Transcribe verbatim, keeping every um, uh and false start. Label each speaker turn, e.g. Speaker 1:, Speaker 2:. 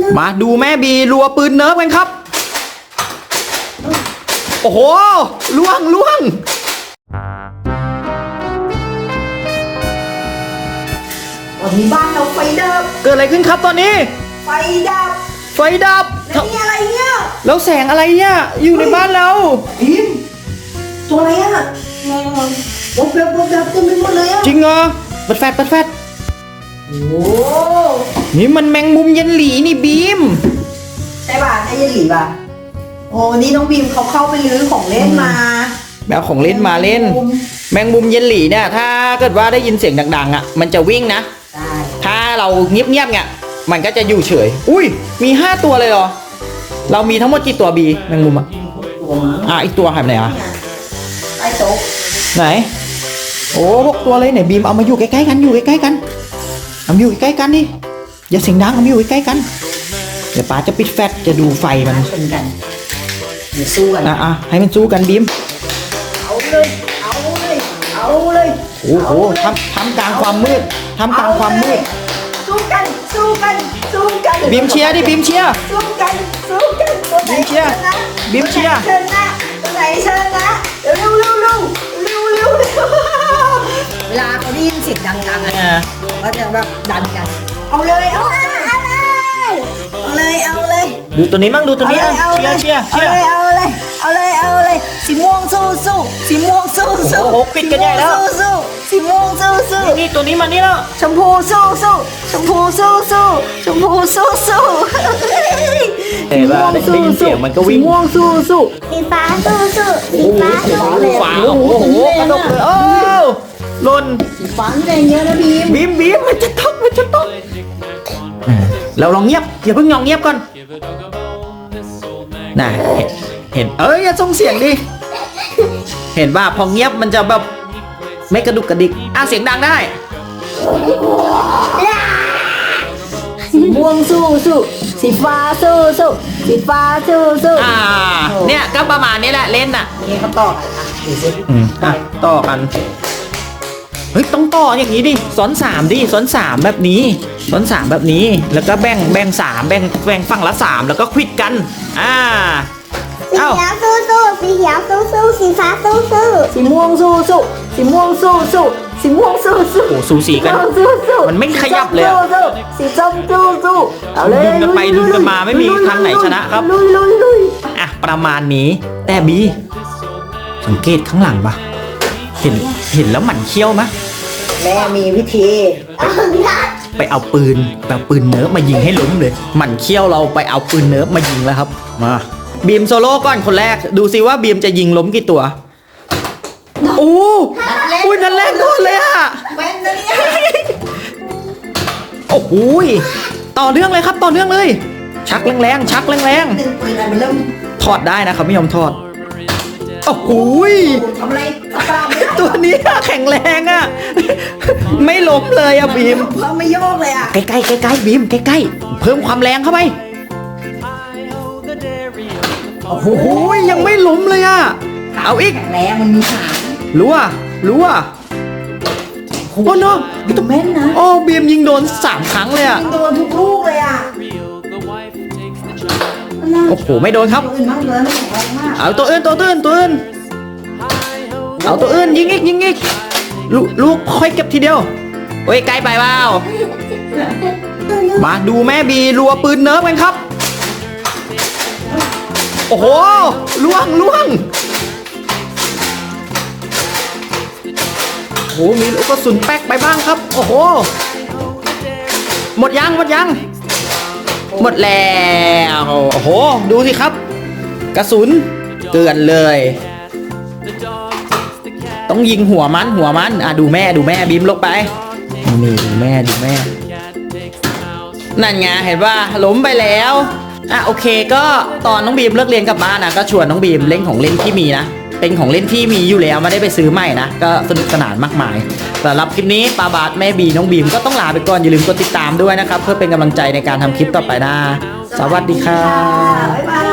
Speaker 1: มาดูแม่บีรัวปืนเนิร์ฟกันครับโอ้โหล่วงล่วง
Speaker 2: ตอนนี้บ้านเราไฟดับ
Speaker 1: เกิดอะไรขึ้นครับตอนนี้
Speaker 2: ไฟดับ
Speaker 1: ไฟดับ
Speaker 2: แล้วนี่อะไรเนี่ย
Speaker 1: แล้วแสงอะไรเนี่ยอยู่ในบ้านเรา
Speaker 2: พิมตัวอะไรอ่ะแมงมันวบแบบวบแบบเต็มไปหมดเลยอ่ะ
Speaker 1: จริงเหรอเปิดแฟลชเปิดแฟลช
Speaker 2: โอ้
Speaker 1: นี่มันแมงมุมเย็นหลีนี่บีม
Speaker 2: ใช่ป่ะใช่ยันหลีป่ะโอ้นี่น้องบีมเขาเข้าไปรื้อของเล่นมา
Speaker 1: แมวของเล่นมาเล่นแมงมุมเย็นหลีเนี่ยถ้าเกิดว่าได้ยินเสียงดังๆอ่ะมันจะวิ่งนะถ้าเราเงียบๆเนี่ยมันก็จะอยู่เฉยอุ้ยมีห้าตัวเลยเหรอเรามีทั้งหมดกี่ตัวบีแมงมุมอ่ะอ่ะอีกตัวหายไปไหนอ่ะ
Speaker 2: ใต้โต๊ะ
Speaker 1: ไหนโอ้หกตัวเลยไหนบีมเอามาอยู่ใกล้ๆกันอยู่ใกล้ๆกันเอามาอยู่ใกล้ๆกันดิอย่าเสียงดังเอามาอยู่ใกล้ๆกันเดี๋ยวป้าจะปิดแฟลชจะดูไฟมัน
Speaker 2: ชนกันเดี๋ยวสู้กัน
Speaker 1: อ่ะอ่ะให้มันสู้กันบีม
Speaker 2: เอาเลยเอาเลยเอาเลย
Speaker 1: โอ้โหทำทำกลางความมืดทำกลางความมืด
Speaker 2: สู้กันสู้กันสู้กัน
Speaker 1: บีมเชียร์ดิบีมเชียร์
Speaker 2: สู้กันสู้กันตัวไหน
Speaker 1: บีมเชียร์บีมเชียร์
Speaker 2: ชนะตัวไหนชนะเร็วเร็วเร็วเร็วเร็วเร็วเวลาเขาได้ยินเสียงดังๆอ่ะก็จะแบบดันกันเอาเลยเอาเลยเอาเลยเอาเลย
Speaker 1: ดูตัวนี้มั่งดูตัวนี้เชียร์เชียร์เชียร์
Speaker 2: เอาเลยเอาเลยเอาเลยสีม่วงสู้สู้สีม่วงสู้สู้
Speaker 1: โอ้โหปิดกันใหญ่แล้ว
Speaker 2: สู้สีม่วงสู้สู้
Speaker 1: นี่ตัวนี้มานี่แล้ว
Speaker 2: ชมพูสู้สู้ชมพูสู้สู้ชมพูสู้สู้
Speaker 1: เห็นป่ะได้ยินเสียงมันก็วิ่ง
Speaker 2: สีม่วงสู้สู้สีฟ้าสู้สู้สีฟ้า
Speaker 1: สีฟ้าโอ้โหกระดกเลยโอ้หล่น
Speaker 2: สีฟ้าแรงเยอะนะบีม
Speaker 1: บีมบีมมันจะตกมันจะตกเราลองเงียบอย่าเพิ่งยองเงียบก่อนน่ะเห็นเอ้ยอย่าส่งเสียงดิเห็นว่าพอเงียบมันจะแบบไม่กระดุกกระดิกอ่ะเสียงดังได้
Speaker 2: สีม่วงสู้สู้สีฟ้าสู้สู้สีฟ้าสู้สู้
Speaker 1: อ่าเนี่ยก็ประมาณนี้แหละเล่นน่ะ
Speaker 2: นี่เขาต่อกันอ่ะดูสิ
Speaker 1: อืมอ่ะต่อกันเฮ้ยต้องต่ออย่างนี้ดิซ้อนสามดิซ้อนสามแบบนี้ซ้อนสามแบบนี้แล้วก็แบ่งแบ่งสามแบ่งแบ่งฝั่งละสามแล้วก็ควิดกันอ่า
Speaker 3: สีเขียวสู้สู้สีเขียวสู้สู้สีฟ้าสู้สู้
Speaker 2: สีม่วงสู้สู้สีม่วงสู้สู้สีม่วงสู้สู้
Speaker 1: โอ้สูสีกันมันไม่ขยับเลย
Speaker 2: สีส้มสู้สู้
Speaker 1: เอาเลยดึงกันไปดึงกันมาไม่มีทางไหนชนะครับ
Speaker 2: ลุยลุยลุย
Speaker 1: อ่ะประมาณนี้แต่บีสังเกตข้างหลังปะเห็นเห็นแล้วหมั่นเขี้ยวมะ
Speaker 2: แม่มีวิธี
Speaker 1: ไปเอาปืนแบบปืนเนิร์ฟมายิงให้ล้มเลยหมั่นเขี้ยวเราไปเอาปืนเนิร์ฟมายิงแล้วครับมาบีมโซโล่ก่อนคนแรกดูซิว่าบีมจะยิงล้มกี่ตัวโอ้อุ้ยนั่นแรกโดนเลยอะโอ้โหต่อเรื่องเลยครับต่อเรื่องเลยชักแรงๆชักแรงๆถอดได้นะครับไม่ยอมถอดโอ้โห
Speaker 2: ทำอะไร
Speaker 1: ตัวนี้แข็งแรงอะไม่ล้มเลยอะบีม
Speaker 2: เพิ่มไม่โยกเลยอะ
Speaker 1: ใกล้ๆใกล้ๆบีมใกล้ๆเพิ่มความแรงเข้าไปโอ้โหยังไม่ล้มเลยอะเอาอีก
Speaker 2: แข็งแรงมันมีขา
Speaker 1: รู้อ่ะรู้อ่ะโอ้เนาะ
Speaker 2: ตัวแม่นนะ
Speaker 1: โอ้บีมยิงโดนสามครั้งเลยอ่ะ
Speaker 2: ยิงโดนทุกลูกเลยอ่ะ
Speaker 1: โอ้โหไม่โดนครับเอาตัวอื่นตัวอื่นตัวอื่นเอาตัวอื่นยิงอีกยิงอีกลูกลูกค่อยเก็บทีเดียวโอ้ยไกลไปเปล่ามาดูแม่บีรัวปืนเนิร์ฟกันครับโอ้โหล่วงล่วงโอ้โหมีลูกกระสุนแป๊กไปบ้างครับโอ้โหหมดยังหมดยังหมดแล้วโอ้โหดูสิครับกระสุนเกลื่อนเลยต้องยิงหัวมันหัวมันอ่ะดูแม่ดูแม่บีมลงไปนี่ดูแม่ดูแม่นั่นไงเห็นว่าล้มไปแล้วอ่ะโอเคก็ตอนน้องบีมเลิกเรียนกลับบ้านนะก็ชวนน้องบีมเล่นของเล่นที่มีนะเป็นของเล่นที่มีอยู่แล้วไม่ได้ไปซื้อใหม่นะก็สนุกสนานมากมายสำหรับคลิปนี้ปาบาสแม่บีน้องบีมก็ต้องลาไปก่อนอย่าลืมกดติดตามด้วยนะครับเพื่อเป็นกำลังใจในการทำคลิปต่อไปนะสวัสดีครับ
Speaker 2: บ๊ายบาย